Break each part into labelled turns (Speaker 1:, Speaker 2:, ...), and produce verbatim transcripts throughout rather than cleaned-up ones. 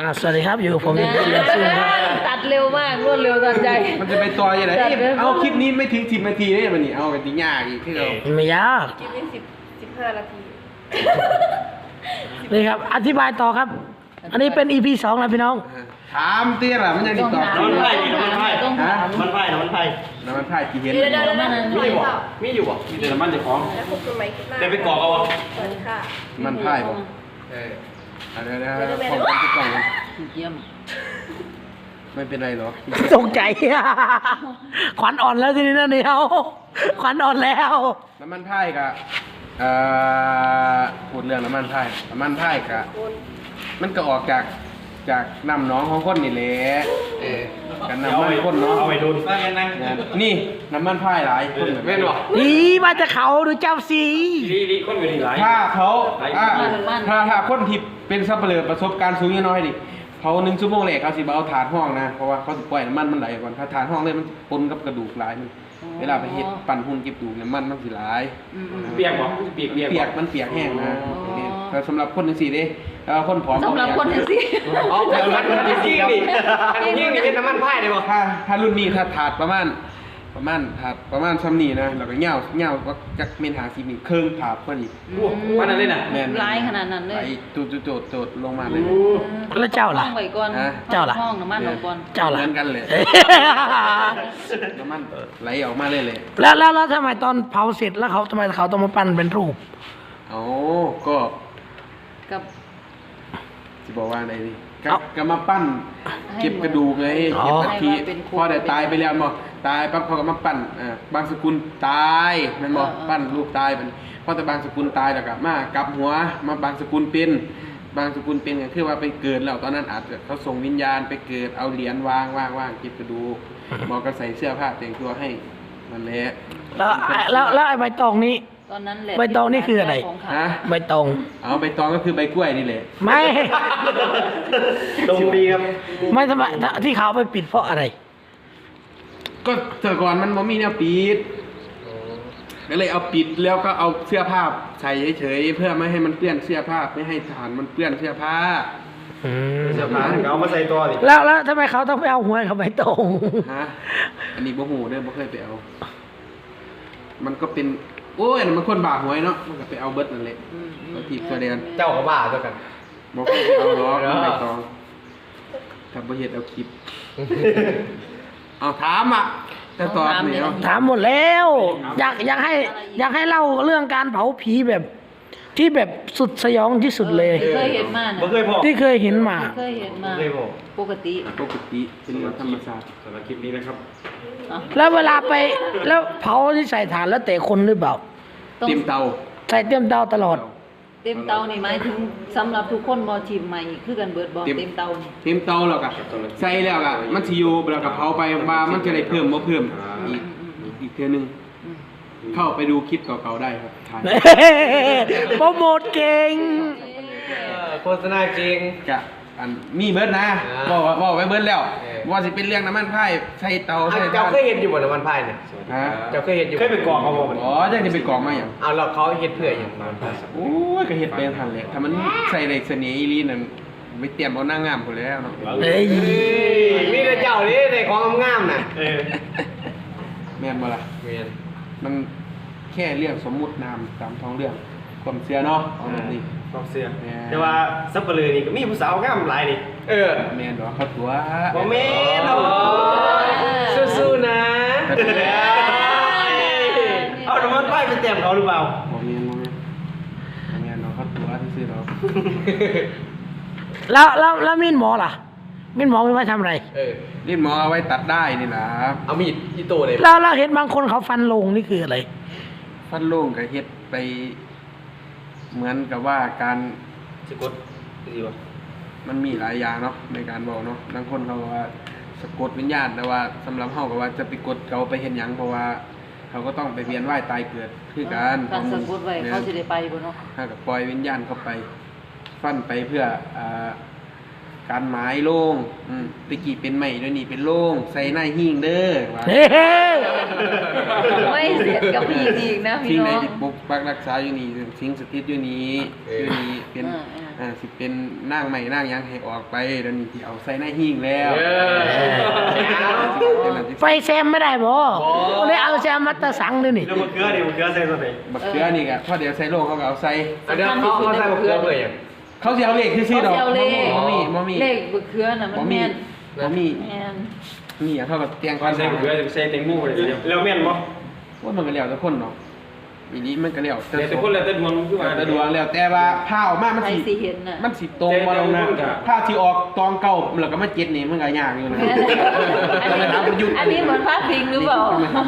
Speaker 1: อ่าสวัสดีครับอยู่กับผมเชียร์ซึ่งครับ
Speaker 2: ตัดเร็วมากรวดเร็วทันใจ
Speaker 3: มันจะไปต่อยังไงเอาคลิปนี้ไม่ถึงสิบนาทีเนี่ยมันนี่เอากันที่ยากอีกที่เรา
Speaker 1: ไม่ยาก
Speaker 2: คลิปนี้สิบสิบห้านาที
Speaker 1: นี่ครับอธิบายต่อครับ อันนี้เป็น อี พี สองแล้วพี่น้อง
Speaker 3: ถามเตี้ยล่ะมันยังติดต่อ
Speaker 4: น้ำมันไผ่น้ำมันไผ่
Speaker 2: ต้องถาม
Speaker 4: น้ำมันไผ่น้ำมันไผ่
Speaker 3: น้ำมันพายกี่เห็น
Speaker 2: เดี๋ยวเดี๋ยวเดี๋ยว
Speaker 4: มีอยู่บ่มีอยู่บ่มีแต่น้ำมันเจ้าของ
Speaker 2: แล้วพบกันใหม่คลิปหน้า
Speaker 4: ได้ไปกรอกเอาบ่
Speaker 2: สวัสดีค่ะ
Speaker 3: มันพายบ่เออเดี๋ยวเดี๋ยวพร้อมกันทุกกล่องเลย
Speaker 2: เยี่ยม
Speaker 3: ไม่เป็นไรหรอก
Speaker 1: ตกใจ ขวัญอ่อนแล้วทีนี้นะเดียวขวัญอ่อนแล้ว
Speaker 3: น้ำมันพายกับเอ่อพูดเรื่องน้ำมันพายน้ำมันพายกับมันก็ออกจากจากน้ำหนองของคนนี่แหละเออกันน้ำมันคนเนาะ
Speaker 4: เอาไปโดนซะงั้นนะ
Speaker 3: นี่น้ำมันพายหลายคนแม่นบ่
Speaker 1: นี่มาจากเขาดูเจ้าสี
Speaker 4: ดีดีคนอยู่นี่หลาย
Speaker 3: ถ้าเขาอ่าถ้าถ้าคนที่เป็นซัพพลายเออร์ประสบการณ์สูงน้อยดิเขาหนึ่งชั่วโมงแรกเขาสิบ่เอาถาดห้องนะเพราะว่าเขาสิปล่อยน้ำมันมันไหลก่อนถ้าถาดห้องเลยมันปนกับกระดูกหลายมันเวลาไปเฮ็ดปั่นหุ่นเก็บดูกน้ำมันมันสิหลาย
Speaker 4: เปียกบ่เปียกเปียก
Speaker 3: เปียกมันเปียกแห้งนะแต่สำหรับคนจังซี่เด้แล้วคนผอม
Speaker 2: สำหรับคนที่สิ
Speaker 4: อ๋อแต่มันมันจริงดิยิ่งนี่เป็นน้ำมันไผ่ได้บ่
Speaker 3: ถ้าถ้ารุ่นนี้ถ้าถาดประมาณประมาณถาดประมาณซ้ำนี้นะแล้วก็เหย้าเหย้าว่าจักเมนหาสิมีเครื่องถาดพอดี
Speaker 4: โอ้มันนั่นเลยน่ะ
Speaker 3: แม่น
Speaker 2: ร้ายขนาดนั้นเลย
Speaker 3: ไอ้จุดจุดโจดลงมาเลย
Speaker 1: แล้วเจ้าล่ะ
Speaker 2: ห้องไว้ก่อน
Speaker 3: ฮะ
Speaker 1: เจ้าล่ะ
Speaker 2: ห้องน้ำมันลงก่อน
Speaker 1: เจ้าล่ะ
Speaker 3: เหมือนกันเลย น้ำมันไหลออกมาเลยเลย
Speaker 1: แล้วแล้วแล้วทำไมตอนเผาเสร็จแล้วเขาทำไมเขาต้องมาปั้นเป็นรูป
Speaker 3: เอาก็
Speaker 2: กับ
Speaker 3: จะบอกว่าอะไรดิก็
Speaker 1: เอา
Speaker 3: ก็มาปั้น
Speaker 2: ให้
Speaker 3: เก็บกระดูกไง
Speaker 1: อ๋อ
Speaker 3: เก็บอัฐิ
Speaker 2: ให้ว่าเป็นคน
Speaker 3: พอได้ตายไปแล้วบอกตายปั๊บเขาก็มาปั้นอ่าบางสกุลตายแมันบอก
Speaker 2: เออเออ
Speaker 3: ปั้นรูปตายมันพอแต่บางสกุลตายแล้วก็มากลับหัวมาบางสกุลเป็นบางสกุลเป็นก็คือว่าไปเกิดแล้วตอนนั้นอาจจะเขาส่งวิญญาณไปเกิดเอาเหรียญวางวางวางเก็บกระดูกหมอก็ใส่เสื้อผ้าแต่งตัวให้นั่นแหละ
Speaker 1: แล้วแล้วแล้วไอ้ใบตองนี้
Speaker 2: ตอนนั้นแหละ
Speaker 1: ใบตองนี่คืออะไร
Speaker 2: ของขาย
Speaker 3: ฮะ
Speaker 1: ใบตอง
Speaker 3: เอาใบตองก็คือใบกล้วยนี่แหละ
Speaker 1: ไม่
Speaker 4: ตรงดีครับ
Speaker 1: ไม่ทำไมที่เขาเอาไปปิดเพราะอะไร
Speaker 3: ก็แต่ก่อนมันบ่มีแนวปิดก็เลยเอาปิดแล้วก็เอาเสื้อผ้าใส่เฉยๆเพื่อไม่ให้มันเปื้อนเสื้อผ้าไม่ให้ฐานมันเปื้อนเสื้อผ้า
Speaker 1: อืม
Speaker 4: เสื้อผ้าเอามาใส่ตัวดิ
Speaker 1: แล้วแล้วทำไมเขาต้องไปเอาหวยเขาใบตอง
Speaker 3: ฮะอันนี้บ่ฮู้เด้อบ่เคยไปเอา มันก็เป็นโอ้ยอันนั้นมันคนบาหวยเนาะมันก็ไปเอาเบิดนั่นแหละเอาทีบตัวเดียวกัน
Speaker 4: เจ้าก็บ้าตัวกัน
Speaker 3: บ่เคยไปเอาหรอกมันใบตองถ้าบ่เฮ็ดเอาคลิป เอาถามอ่ะแต่ตอบนี่เอา
Speaker 1: ถามหมดแล้ว อยากอยากให้อยากให้เล่าเรื่องการเผาผีแบบ ที่แบบสุดสยองที่สุดเลย
Speaker 2: เคยเห็นมา
Speaker 4: บ่
Speaker 2: นะ
Speaker 4: เคยพอ
Speaker 1: ที่เคยเห็นมา
Speaker 2: เคยเห็นมา
Speaker 4: เคยพอ
Speaker 2: ปกติ
Speaker 3: ปกติเป็นเรื่องธรรมชาติ
Speaker 4: สำหรับคลิปนี้นะครับ
Speaker 2: อ่ะ
Speaker 1: แล้วเวลาไปแล้วเผาที่ใส่ถ่านแล้วแต่คนหรือเปล่า
Speaker 2: ต้อง
Speaker 3: เต็มเตา
Speaker 1: ใส่เต็มเตาตลอด
Speaker 2: เต็มเตานี่หมายถึงสำหรับทุกคนบ่ทีมใหม่คือกันเบิดบ่
Speaker 3: เต็ม
Speaker 2: เต็มเตานี่
Speaker 3: เต็มเตาแล้วก็ใส่แล้วก็มันสิอยู่แล้วก็เผาไปว่ามันจะได้เพิ่มบ่เพิ่มอีกอีกเทื่อนึงเข้าไปดูคลิปเก่าๆได้ครับถ่าย
Speaker 1: โปรโมทเก่ง
Speaker 4: โฆษณาจริง
Speaker 3: กะอันมีเบิดนะ
Speaker 4: อ่า
Speaker 3: บอกว่าบอกไว้เบิดแล้ว
Speaker 4: เออ
Speaker 3: ว่าสิเป็นเรื่องน้ำมันพายใส่เตาใส่
Speaker 4: เจ้า
Speaker 3: ถ่าน
Speaker 4: เคยเห็นอยู่บ่น้ำมันไผ่เนี่ย
Speaker 3: ฮะ
Speaker 4: เจ้าเคยเห็นอยู่เคยไปกรอกเอาบ่
Speaker 3: อ๋อจังสิไปกรอกมาหยัง
Speaker 4: เอาแล้วเขาเฮ็ดเพื่ออย่างน้ำมันไผ่
Speaker 3: โอ้ยก็เฮ็ดไปทันแหละถ้ามันใส่ได้เสน่ห์อีหลีนั่นไปเตรียมเอานางงามพุ่นแล้วเนาะ
Speaker 1: เฮ้ย
Speaker 4: มีแต่เจ้านี่ในของงามๆน่ะเออ
Speaker 3: แม่นบ่ล่ะ
Speaker 4: แม่น
Speaker 3: มันแค่เรื่องสมมุตินามตามท้องเรื่องความเชื่อเนาะเอาแบบนี้
Speaker 4: ความเสื่อ
Speaker 3: แม่น
Speaker 4: แต่ว่าซับเปลือนี่ก็มีผู้สาวงามหลายนี่เออ
Speaker 3: แม่นบ่เขาตัว
Speaker 4: บ่แม่นโอ้สู้ๆนะเอาน้ำมันไผ่ไปเต็มเขาหรือเปล่า
Speaker 3: บ่แม่นบ่แม่นบ่แม่นเนาะเขาตัวซื่อๆเนาะ
Speaker 1: แล้วแล้วแล้วมีดหมอล่ะ มีดหมอไม่ไว้ทำอะไร
Speaker 4: เออ
Speaker 3: นี่หมอเอาไว้ตัดได้นี่ล่ะ
Speaker 4: เอามีดที่โตเลย
Speaker 1: แล้วเราเห็นบางคนเขาฟันลงนี่คืออะไร
Speaker 3: ฟันโล่งก็เฮ็ดไป เหมือนกับว่าการ
Speaker 4: สะกดดีวะ
Speaker 3: มันมีหลายอย่างเนาะในการบอกเนาะบางคนเขาว่าสะกดวิญญาณแต่ว่าสำหรับเฮาก็ว่าจะไปกดเขาไปเห็นหยังเพราะว่า เขาก็ต้องไปเวียนว่ายตายเกิดคือการ
Speaker 2: การสะกดไว้เขาสิได้ไปบ่เนาะ
Speaker 3: ถ้ากับปล่อยวิญญาณเข้าไป ฟันไปเพื่ออ่าการหมายโล่งอืมตะกี้เป็นไม้ด้วยนี่เป็นโล่งใส่หน้าหิ้งเด้อว่า
Speaker 1: เฮ้ย
Speaker 2: ไม่เสียดกับพี่อีกนะพี่
Speaker 3: สิ่งไหน
Speaker 2: น้อง
Speaker 3: ที่ปกปักรักษาอยู่นี่สิ่งสถิตอยู่นี่อยู่นี่เป็น
Speaker 2: เออเออ
Speaker 3: อ่าสิเป็นนางใหม่นางหยังให้ออกไปเดี๋ยวนี้ที่เอาใส่ในหิ้งแล้ว
Speaker 4: เออ
Speaker 1: ไฟแซมไม่ได้บ่ก็เลยเอาแซมมาตะสังเลยนี่
Speaker 4: แล้วมะเขือดิมะเขือใส่ตัวไหน
Speaker 3: บักเขือนี่ก็พอเดี๋ยวใส่โลงเขาก็เอาใส่
Speaker 4: เดี๋ยวเขาเขาใส่มะเขือเลยอ่ะ
Speaker 3: เขาสิเอาเลขซื่อๆดอก
Speaker 2: เขาสิเอาเลข
Speaker 3: บ่มีบ่มี
Speaker 2: เลขบึกเครือน่ะมัน
Speaker 3: บ่มี
Speaker 2: แม่น
Speaker 3: บ่มี
Speaker 2: แม่น
Speaker 3: นี่อะเขาก็เตียง
Speaker 4: ก่อนใส่มะเขือใส่แตงโมเลยแล้วแม่นบ่
Speaker 3: ว่ามันก็แล้วแต่คนเนาะอีนี้มันก็แล้ว
Speaker 4: แต่แต่คนแล้วแต่ดวงคือว่า
Speaker 3: แต่ดวงแล้วแต่ว่าผ้าออกมามัน
Speaker 2: ใคร
Speaker 3: สิ
Speaker 2: สิเห็นน่ะ
Speaker 3: มันสิตรงบ่ลงนะผ้าที่ออกตองเก่าแล้วก็มาเจ็ดนี่มันก็ยากอยู่นะ
Speaker 2: อันนี้อันนี้เหมือนพาดพิงหรือเปล่า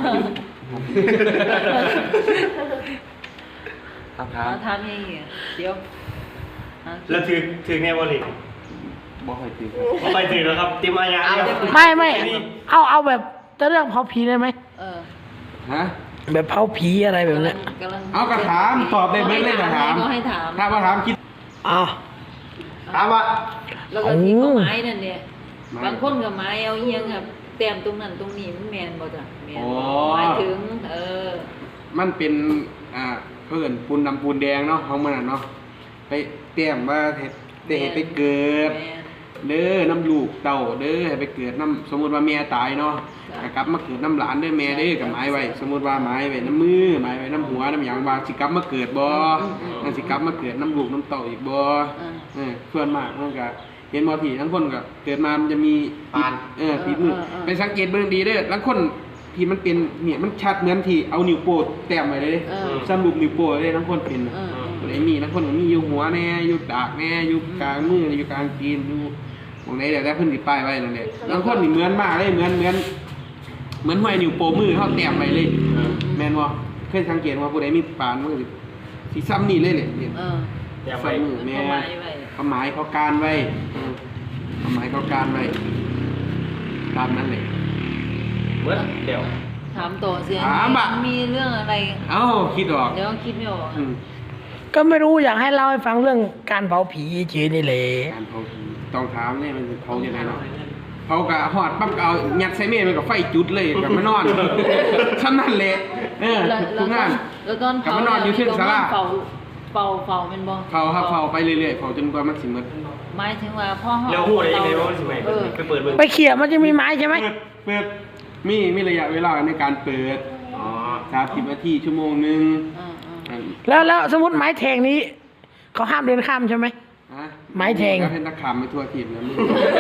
Speaker 3: ครับค
Speaker 2: เอา
Speaker 3: รับ
Speaker 2: ทำยังไงเดี๋ยวอ่ะ
Speaker 4: แล้วถือถือแน่บ่ลิ
Speaker 3: บ่ค่อยตื่น
Speaker 4: บ่ไปถือแล้วครับติมอาญาเนี่ย
Speaker 1: ไม่ไม่เอาเอาแบบจะเรื่องเผาผีได้ไหม
Speaker 2: เออ
Speaker 3: ฮะ
Speaker 1: แบบเผาผีอะไรแบบเนี้ย
Speaker 2: กำลัง
Speaker 3: เอากระถามตอบได้เบิ่งเลยกระถาม
Speaker 2: ก็ให้ถาม
Speaker 3: ถ้าว่าถามคิด
Speaker 1: อ่ะ
Speaker 4: ถามว่า
Speaker 2: แล้วก็ที่เขา
Speaker 1: โอ้
Speaker 2: ไม้นั่นเนี่ย
Speaker 3: ไม้
Speaker 2: บางคนกับไม้เอาเอียงครับแต้มตรงนั้นตรงนี้มันแมนบ่จ้ะแมน
Speaker 3: อ๋อ
Speaker 2: หมายถึง เออ
Speaker 3: มันเป็นอ่าเพิ่นปูนดำปูนแดงเนาะของมันน่ะเนาะไปเตรียมว่าเฮ็ดได้เฮ็ดไปเกิด
Speaker 2: แมน
Speaker 3: เด้อน้ำลูกเต่าเด้อให้ไปเกิดน้ำสมมุติว่าแม่ตายเนาะ
Speaker 2: จ้ะ
Speaker 3: ก็กลับมาเกิดน้ำหลานเด้อแม่เด้อกับไม้ไว้ สมมุติว่าไม้ไว้น้ำมือไม้ไว้น้ำหัวน้ำหยังว่าสิกลับมาเกิดบ่นั่นสิกลับมาเกิดน้ำลูกน้ำเต่าอีกบ่
Speaker 2: อ่า
Speaker 3: เออส่วนมากมันก็เห็นบ่ที่ทั้งคนก็เกิดมามันจะมี
Speaker 4: ปาน
Speaker 3: เออปิดมือ
Speaker 2: เออเออ
Speaker 3: ไปสังเกตเบิ่งดีเด้อทั้งคนที่มันเป็นเนี่ยมันชัดเหมือนที่เอานิ้วโป้แต้มไว้เลยเด้
Speaker 2: เออ
Speaker 3: สรุปนิ้วโป้เลยทั้งคนเป็น
Speaker 2: เออเออ
Speaker 3: คนไหนมีทั้งคนก็มีอยู่หัวแน่อยู่ดากแน่อยู่กลางมืออยู่กลางตีนอยู่ตรงไหนเดี๋ยวได้เพิ่นสิป้ายไว้นั่นแหละบางคนนี่เหมือนมากเลยเหมือนเหมือนเหมือนห้อยนิ้วโป้มือเฮาแต้มไว้เลย แม่นบ่เคยสังเกตว่าผู้ใดมีปานมันก็สิสิซ้ำนี่เลยแหละเนี่ย
Speaker 2: เออ
Speaker 4: อย่าไป
Speaker 3: ใส่มือแม่
Speaker 2: เขาหมายไว้
Speaker 3: เขาหมายเขาการไว้อืมเขาหมายเขาการไว้ตามนั้นเลย
Speaker 4: เมื่อเดี๋ยว
Speaker 2: ถามต่อเสีย
Speaker 3: ถามอะ
Speaker 2: มีเรื่องอะไร
Speaker 3: เอ้าคิดออก
Speaker 2: เดี๋ยวคิดไม่ออก
Speaker 3: อืม
Speaker 1: ก็ไม่รู้อยากให้เล่าให้ฟังเรื่องการเผาผีเฉยๆนี่แหละ
Speaker 3: การเผาผีต้องถามเนี่ยมันเผาจังไดเนาะเผากะฮอดปั๊บก็เอายัดใส่เมฆมันก็ไฟจุดเลยกลับมานอนซ้ำนั่นแหละเออ
Speaker 2: แล้ว
Speaker 3: ทุกงาน
Speaker 2: แล้วตอน
Speaker 3: กลับมานอนอยู่เชิงศาลา
Speaker 2: เฝ้าเฝ้าเฝ้าเป็นบ่
Speaker 3: เผาครับเผาไปเรื่อยๆเผาจนกว่ามันสิหมด
Speaker 2: หมายถึงว่าพ่อ
Speaker 4: แล้วหูได้ยังไงว่ามันสิไหม
Speaker 2: เออ
Speaker 4: ไปเปิดเบิ่ง
Speaker 1: ไปเขี่ยมันจะมีไม้ใช่ไหม
Speaker 3: เปิดเปิดมีมีระยะเวลาในการเปิด
Speaker 4: อ๋อ
Speaker 3: สามสิบนาทีชั่วโมงหนึง
Speaker 2: เออเออ
Speaker 3: อัน
Speaker 1: แล้วแล้วสมมติไม้แทงนี้เขาห้ามเดินข้ามใช่ไหม
Speaker 3: ฮะ
Speaker 1: ไม้แทง
Speaker 3: ก็เป็นตะขามไปทั่วทีมนะมึง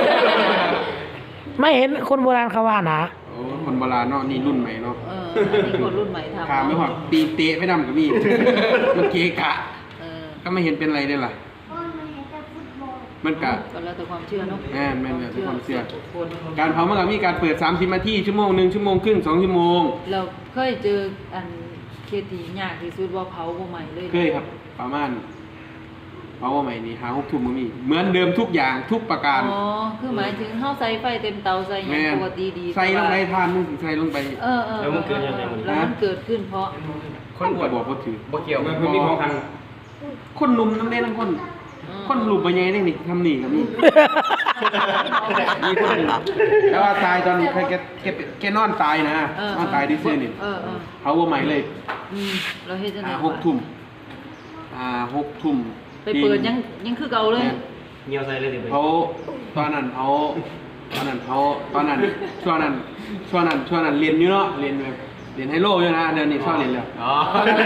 Speaker 1: ไม่เห็นคนโบราณเขาว่านะ
Speaker 3: โอ้คนโบราณเนาะนี่รุ่นใหม่เนาะ
Speaker 2: เอออันนี้คนรุ่นใหม่ทำ
Speaker 3: ขามไม่หอดตีนเตะไม่นำกับมีมันเกะกะ
Speaker 2: เออ
Speaker 3: ก็ไม่เห็นเป็นไรได้ล่ะมันกะ
Speaker 2: ก็แล้วแต่ความเชื่อเนาะ
Speaker 3: แม่นแม่นแล้วแต่ความเชื่อ
Speaker 2: คน
Speaker 3: การเผามันก็มีการเปิดสามสิบนาทีชั่วโมงหนึ่งชั่วโมงครึ่งสองชั่วโมง
Speaker 2: เราเคยเจออันเคสที่ยากที่สุดว่าเผาบ่ใหม่เลย
Speaker 3: เคยครับ ประมาณเผาว่าใหม่นี่หาหกทุ่มมันมี เหมือนเดิมทุกอย่างทุกประการ
Speaker 2: อ๋อคือหมายถึงเฮาใส่ไฟเต็มเตาใส่หยัง
Speaker 3: แม่น
Speaker 2: ปกติดี
Speaker 3: ใส่ลงไป
Speaker 2: แต่ว่า
Speaker 3: ทานมึงสิใส่ลงไป
Speaker 2: เออเออ
Speaker 4: แล้วมันเกิดยังไงมัน
Speaker 2: แล้วมันเกิดขึ้นเพราะ
Speaker 3: คนอวดบอกว่าถือ
Speaker 4: บ่เกี่ยวมันมีของทาง
Speaker 3: คนหนุ่มน้ำเล่นน้ำคน คนหลุมไปยังไงนี่ทำหนีกับนี่ มีคนหนึ่งแต่ว่าตายตอนแกแกแกแกนอนตายนะ
Speaker 2: เออน
Speaker 3: อนตายที่ซื่อนี่
Speaker 2: เออเออ
Speaker 3: เขาว่าใหม่เลย
Speaker 2: อืมเราเฮ็ดจังได๋
Speaker 3: อ่าหกทุ่มอ่าหกทุ่ม
Speaker 2: ไปเปิดยังยังคือเก่าเลย
Speaker 3: แม่น
Speaker 4: เงียวใส่เลยสิไป
Speaker 3: เขาตอนนั้นเขาตอนนั้นเขาตอนนั้นช่วงนั้นช่วงนั้นช่วงนั้นเรียนอยู่เนาะเรียนแบบเรียนไฮโลอยู่นะเดี๋ยวนี้ชอบเรียนแล้ว
Speaker 4: อ๋อ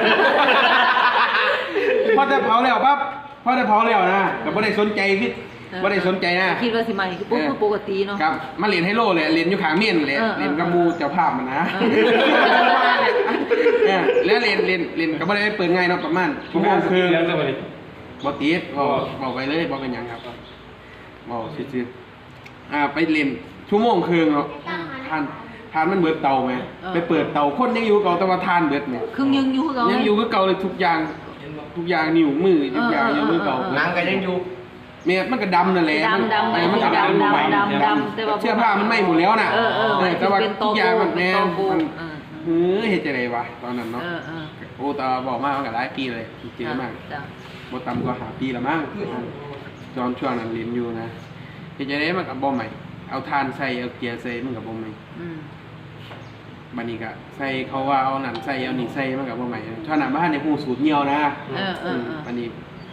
Speaker 3: พอจะเผาแล้วปั๊บพอจะเผาแล้วนะแต่ไม่ได้สนใจคิดไม่ได้สนใจนะ
Speaker 2: คิดว่าสิใหม่คือปุ๊บปกติเนาะ
Speaker 3: ครับมาเรียนไฮโลเลยเรียนอยู่ขางเมียนเลย
Speaker 2: เออเออ
Speaker 3: เรียนกับหมูเจ้าภาพมันนะ
Speaker 2: เอ
Speaker 3: เออแล้วเรียนเรียนเรียนก็ไม่ได้เปิดง่ายเนาะประมาณชั่วโมงครึ่ง
Speaker 4: แล้วจะมาดิ
Speaker 3: บ่ติดบ่บ่ไปเลยบ่เป็นหยังครับบ่ซื่อๆอ่าไปเรียนชั่วโมงครึ่งเนาะทานทานมันเบิดเตาไหมไปเปิดเตาคนยังอยู่เก่าแต่ว่าทานเบิดเนี่ย
Speaker 2: ครึ่งยังอยู่คือเก่า
Speaker 3: ยั
Speaker 2: ยัง
Speaker 3: อยู่คือเก่าเลยทุกอย่างทุกอย่างนิ้วมือทุกอย่างยังคือเก่า
Speaker 4: หนังก็ยังอยู่
Speaker 3: เมียมันก็ดำนั่นแหละ
Speaker 2: ดำดำ
Speaker 3: เออมันก็ดำ
Speaker 2: ดำ
Speaker 3: ใหม่
Speaker 2: ดำดำแต่ว่า
Speaker 3: เสื้อผ้ามันไหม้หมดแล้วน่ะ
Speaker 2: เออเออหมายถึง
Speaker 3: แต่ว่า
Speaker 2: เป็นโต
Speaker 3: ทุกอย่างมันแน่
Speaker 2: โก
Speaker 3: มัน
Speaker 2: เออ
Speaker 3: เออเฮ็ดจังไดวะตอนนั้นเนาะ
Speaker 2: เออเออ
Speaker 3: โอ้ตาบอกมากมันก็หลายปีเลยจริงๆมาก
Speaker 2: จ้ะ
Speaker 3: บ่ต่ำกว่าห้าปีละมั้งตอนช่วงนั้นเรียนอยู่นะเฮ็ดจังไดมันก็บ่ใหม่เอาทานใส่เอาเกียร์ใส่มันก็บ่ใหม่
Speaker 2: อืม
Speaker 3: บัดนี้ก็ใส่เขาว่าเอานั่นใส่เอานี่ใส่มันก็บ่ใหม่ช่วงนั้นบ่ทันได้ฮู้สูตรเหนียวนะ
Speaker 2: เออเออเออ
Speaker 3: บัดนี้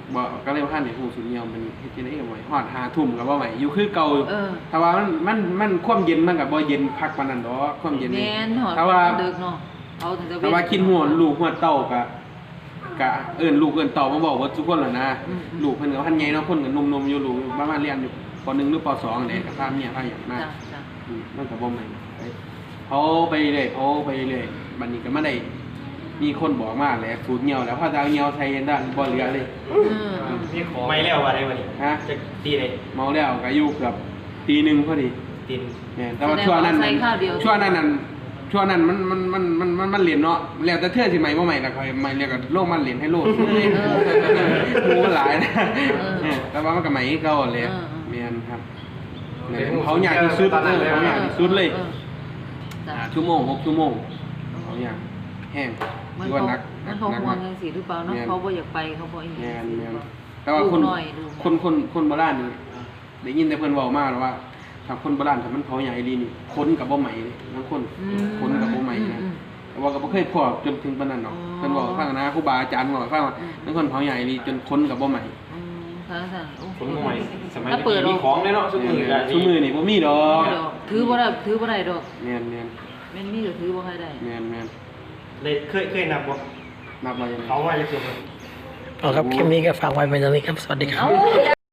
Speaker 3: บ่ก็เลยว่าท่านได้ฮู้สุดเหี่ยวมันเฮ็ดจังได๋ก็บ่ไหวฮอดห้าทุ่มก็บ่ไหวอยู่คือเก่า
Speaker 2: เออ
Speaker 3: ถ้าว่ามันมันมันความเย็นมันก็บ่เย็นคักปานนั้นดอกความเย็น
Speaker 2: แม่นหอด
Speaker 3: ถ้าว่า
Speaker 2: ดึกเนาะเอาถึงจะ
Speaker 3: ถ้าว่ากินหัวลูกหัวเต้าก็ก็เอิ้นลูกเอิ้นเต้ามาบอกว่าทุกคนล่ะนะ
Speaker 2: อืม
Speaker 3: ลูกเพิ่นก็พันใหญ่เนาะเพิ่นก็หนุ่มๆอยู่ลูกประมาณเรียนอยู่ปหนึ่งหรือปสองนี่ก็พาเมียพาหยังมา
Speaker 2: จ้ะจ้ะ
Speaker 3: อืมมันก็บ่แม่นไปเขาไปเรื่อยเขาไปเรื่อยบัดนี้ก็มาได้มีคนบอกมาแหละสูตรเหี่ยวแล้วพอจะเอาเหี่ยวใส่ได้บ่เหลือเลย
Speaker 2: เออ
Speaker 4: มีของไม่แล้วว่าได้วันนี้
Speaker 3: ฮะ
Speaker 4: จะตีเลย
Speaker 3: เมาแล้วก็อยู่เกือบตีหนึ่งพอดี
Speaker 4: ตีน
Speaker 3: แม่นแต่ว่าช่วงนั้น
Speaker 2: ใส่ข้าวเดียว
Speaker 3: ช่วงนั้นนั่นช่วงนั้นมันมันมันมันมันมันเหรียญเนาะแล้วแต่เทื่อสิใหม่บ่ใหม่แล้วค่อยใหม่แล้วก็โลกมันเหรียญให้โลกหมูมันหลายนะเออแต่ว่ามันก็ใหม่เก่าแหละแม่นครับเนี่ยเขาอยากที่สุดเออเขาอยากที่สุดเลย
Speaker 2: ออจ้ะ
Speaker 3: ห้าชั่วโมงหกชั่วโมงเขาอยากแห้ง
Speaker 2: มัน
Speaker 3: คือ
Speaker 2: เขา
Speaker 3: ว่านัก
Speaker 2: มันเขา
Speaker 3: นัก
Speaker 2: ห่ว
Speaker 3: มาง ก
Speaker 2: จังซี่หรือเปล่าเนาะเขาบ่อยากไปเขาบ่อีห
Speaker 3: แม่
Speaker 2: ยัง
Speaker 3: นแม่นแต่ว่าคน
Speaker 2: ดูหน่อยดู
Speaker 3: คนคนคนโบราณนี่ได้ยินแต่เพิ่นเว้ามาแล้วว่าถ้าคนโบราณถ้ามันเผาใหญ่อีหลีนี่คนกับบ่ใหม่เลยบางคน
Speaker 2: อืม
Speaker 3: คนกับบ่ใหม่นะ
Speaker 2: อืม
Speaker 3: แต่ว่าก็บ่เคยพอจนถึงปานนั้นหรอก
Speaker 2: อ๋อ
Speaker 3: เพิ่นบอกให้ฟังนะครูบาอาจารย์บอกให้ฟังว่า
Speaker 2: อืม
Speaker 3: บางคนเผาใหญ่อีหลีจนคนกับบ่ใหม่
Speaker 2: อืมค่ะค่ะโอ้
Speaker 4: คนใหม่สมัย
Speaker 2: ถ้าเปิด
Speaker 4: มีของเลยเนาะซุมือกัน
Speaker 3: ซุมือนี่บ่มีดอก
Speaker 2: ดอกถือบ่ได้ถือบ่ได้ดอก
Speaker 3: แม่นแม่น
Speaker 2: แม่นมีก็ถือบ่ค่อยได้
Speaker 3: แม่นแม่น
Speaker 4: เลยเคยเคยนับบ่
Speaker 3: นับมายังไง
Speaker 4: เขาว่าจะเกิด
Speaker 1: เอาครับคลิปนี้ก็ฝากไว้เป็นตรงนี้ครับ สวัสดีครับ
Speaker 2: เอ้า